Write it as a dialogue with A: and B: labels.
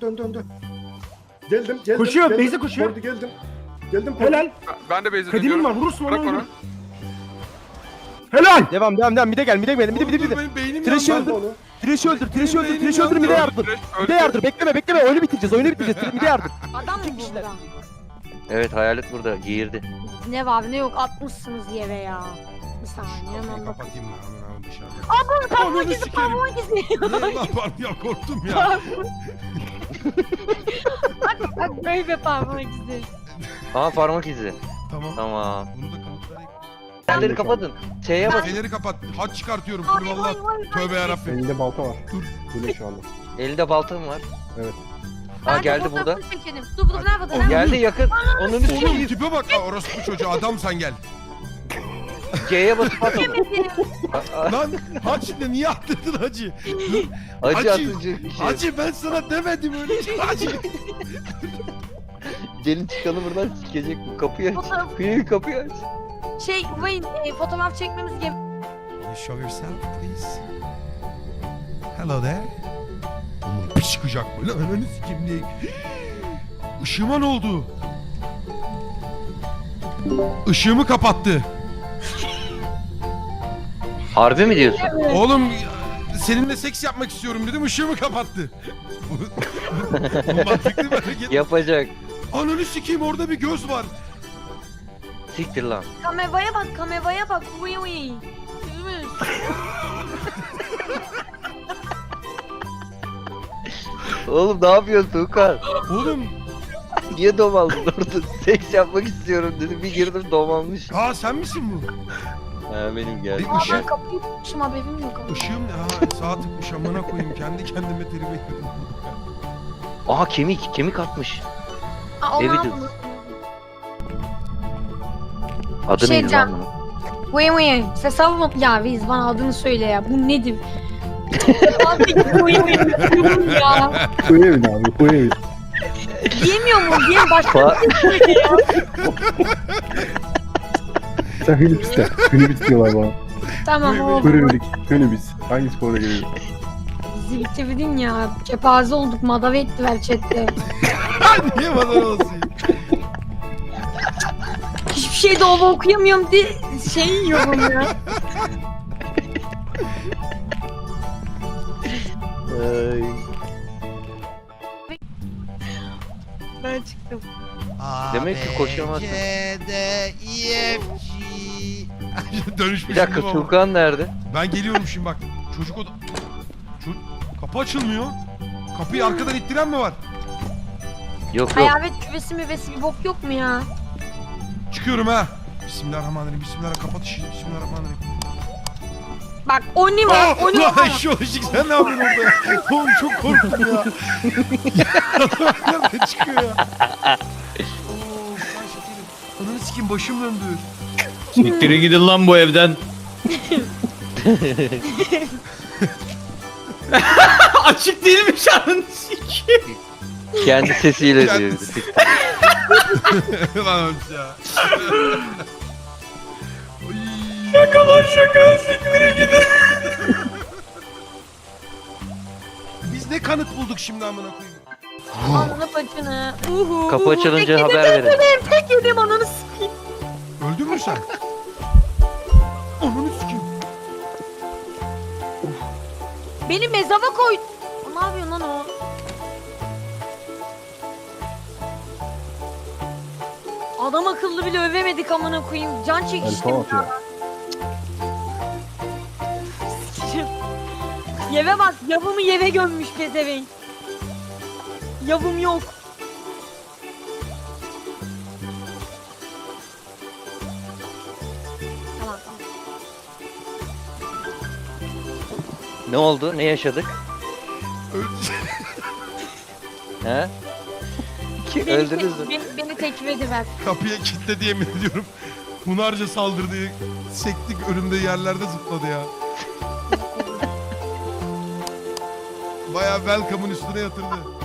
A: dön. Geldim.
B: Koşuyor,
A: geldim.
B: Beyza koşuyor.
A: Kordi geldim.
B: Helal.
C: Ben de base'e
B: Kadimin
C: dönüyorum.
B: var, vurursun onu.
C: Bırak onu.
B: Helal.
D: Devam. Mide gel. Mide.
E: Benim beynim
D: Trash'i
E: yandı.
D: öldür. Trash'i öldür. Mide yardır. Mide yardır. Bekleme. Oyunu bitireceğiz. Mide yardır.
F: Adam mı
D: kişiler.
F: burada?
G: Evet hayalet burada giyirdi.
F: Ne var ne yok atmışsınız yere ya. Bir saniye
E: Kapıyı
F: hemen bak.
E: kapatayım lan hemen dışarıda.
F: Parmak
E: Ananı
F: izi
E: sikerim.
F: parmak izi.
E: Lan pardon ya korktum ya.
F: Bak böyle parmak izi.
G: Aha parmak izi.
E: Tamam.
G: Tamam.
E: Bunu da kanıtlayayım.
G: Fenerleri kapatın. Şeye bas.
E: Feneri kapat. Haç çıkartıyorum.
F: Ay,
E: Kul Allah.
F: ay, ay,
E: Tövbe yarabbim.
A: Elinde balta var.
E: Dur.
A: Böyle şu anda.
G: Elinde baltam var.
A: Evet.
G: Ha
F: Ben de
G: geldi burada.
F: fotoğrafını çekelim. Dur nerede?
G: Geldi yakın. Onun
E: Oğlum
G: üstüne
E: tipe bak. Aa, orospu çocuğu adam sen gel.
G: C'ye basıp at onu.
E: Lan haç ne niye attırdın hacı?
G: Acı
E: Acı.
G: atıcı bir şey.
E: Hacı ben sana demedim öyle şey. Hacı.
G: Gelin çıkalım buradan sikecek bu. Kapıyı aç.
F: Fotoğraf-
G: Kapıyı aç.
F: Wayne fotoğraf çekmemiz gerek.
E: You show yourself please. Hello there. Oğlum bir çıkacak böyle. Ananı sikeyim diye. Işığıma ne oldu? Işığımı kapattı.
G: Harbi mi diyorsun?
E: Oğlum seninle seks yapmak istiyorum dedim ışığımı kapattı. Bu mantıklı bir hareket.
G: Yapacak.
E: Ananı sikeyim orada bir göz var.
G: Siktir lan.
F: Kameraya bak. Uy.
G: Oğlum ne yapıyorsun Tuğkan?
E: Oğlum
G: Niye domaldın orada? Seks yapmak istiyorum dedi. Bir girdim domalmış.
E: aa sen misin bu?
G: Ha benim geldi.
E: Bir ışık.
F: Ben kapıyı tutmuşum haberim yok.
E: Işığım ne? Ha sağ tıkmış amına koyayım. Kendi kendime terime yedim.
G: Aha kemik atmış.
F: Aa,
G: Evi
F: onu
G: de-
F: aldım.
G: Adı
F: Şey
G: neydi
F: diyeceğim.
G: lan bunun?
F: Wayne. Ses alma. Ya Viz bana adını söyle ya. Bu nedir? Abi Wayne ya.
A: Koy evine abi, koy evine.
F: Diyemiyor mu? Diyem başka
G: Fa-
F: bir şey söyle ya.
A: Sen Hünibis de. Hünibis diyorlar bana.
F: Tamam oldu.
A: Hünibis. Hünibis. Hangisi konuda geliyor?
F: Bizi bitirdin ya. Kepaze olduk. Madave ettiler chatte.
E: Niye bana olsun?
F: Hiçbir şey doğru okuyamıyorum diye şey yiyorum ya.
G: Ay.
F: Ben çıktım.
G: Demek ki koşamazsın.
E: Dönüşmüş
G: Bir dakika
E: gibi ama.
G: Tuğkan nerede?
E: Ben geliyorum şimdi bak. Çocuk oda... Kapı açılmıyor. Kapıyı arkadan ittiren mi var?
G: Yok.
F: Hayalet küvesi müvesi bir bok yok mu ya?
E: Çıkıyorum ha. Bismillahirrahmanirrahim. Bismillahirrahmanirrahim. Kapat ışığı. Bismillahirrahmanirrahim.
F: Bak Oni var. Oni
E: Lan
F: var.
E: şu ışık sen ne yapıyorsun orada ya? Oğlum çok korktum ya. Nereden çıkıyor ya? Oo, ben şekerim. Ananı sikeyim başım döndü.
B: Siktirin gidin lan bu evden. Açık değilmiş anın sikeyim.
G: Kendi sesiyle diyor.
E: Kendisi.
G: Siktir.
E: Lan ölç ya.
B: Şaka siktirin gidin.
E: Biz ne kanıt bulduk şimdi amına koyayım?
F: Ananı paçını.
G: Kapı açılınca
F: Tek
G: haber
F: yedim,
G: verin.
F: Tek yedim ananı sikeyim.
E: Öldün mü sen? Ananı sikeyim.
F: Beni mezaba koy. Ne yapıyorsun lan o? Adam akıllı bile övemedik amına koyayım. Can çekiştim
A: Elfa atıyor.
F: Yeve bak, yavımı yeve gömmüş pezevenk. Yavım yok. Tamam.
G: Ne oldu? Ne yaşadık? He? Öldünüz mü?
F: Beni tekfir ediver.
E: Kapıya kilitledi yemin ediyorum. Hunharca saldırdı. Sektik önümde yerlerde zıpladı ya. Bayağı welcome'ın üstüne yatırdı.